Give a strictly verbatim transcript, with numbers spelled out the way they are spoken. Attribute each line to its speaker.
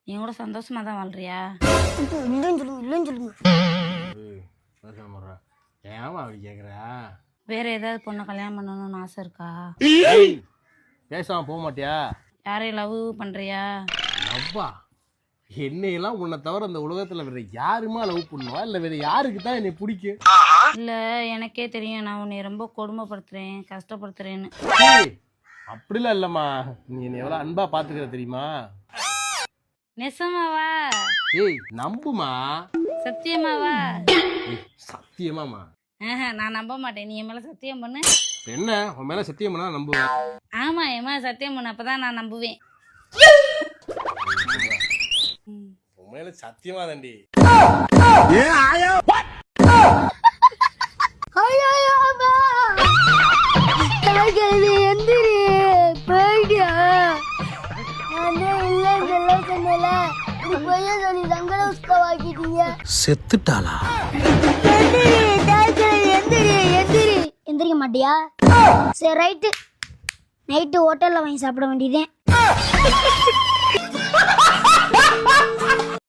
Speaker 1: என் கூட சந்தோஷமா தான் வாழ்றியா?
Speaker 2: இல்லைன்னு சொல்லுங்க இல்லைன்னு சொல்லுங்க.
Speaker 3: ஏமா அப்படி கேக்குற?
Speaker 1: வேற ஏதாவது பொண்ணை கல்யாணம் பண்ணணும்னு ஆசை இருக்கா?
Speaker 3: பேசாம போக மாட்டியா?
Speaker 1: யாரையும் லவ் பண்றியா?
Speaker 3: லவ்வா? என்னையெல்லாம் உன்னை தவிர அந்த உலகத்துல வேற யாருமா லவ் பண்ணுவா? இல்ல வேற யாருக்கு தான் என்னை பிடிக்கும்?
Speaker 1: இல்ல எனக்கே தெரியும் நான் உன்னை ரொம்ப கொடுமைப்படுத்துறேன் கஷ்டப்படுத்துறேன்னு.
Speaker 3: அப்படிலாம் இல்லம்மா, நீ என்னை எவ்வளவு அன்பா பாத்துக்கிற தெரியுமா?
Speaker 1: நெசமாவா?
Speaker 3: ஏய் நம்புமா.
Speaker 1: சத்தியமாவா?
Speaker 3: சத்தியமாமா.
Speaker 1: நான் நம்ப மாட்டேன். நீ என் மேல சத்தியம் பண்ணு.
Speaker 3: என்ன உன் மேல சத்தியம் பண்ணா நம்புவேன்.
Speaker 1: ஆமா என் மேல சத்தியம் பண்ணு, அப்பதான் நான் நம்புவேன்.
Speaker 3: உன் மேல சத்தியமா தாண்டி.
Speaker 2: எந்திரி போயிட்டியா?
Speaker 4: செத்துட்டாளா?
Speaker 2: எந்திரிக்க மாட்டியா? சரி ரைட்டு, நைட்டு ஹோட்டல்ல வாங்கி சாப்பிட வேண்டியதே.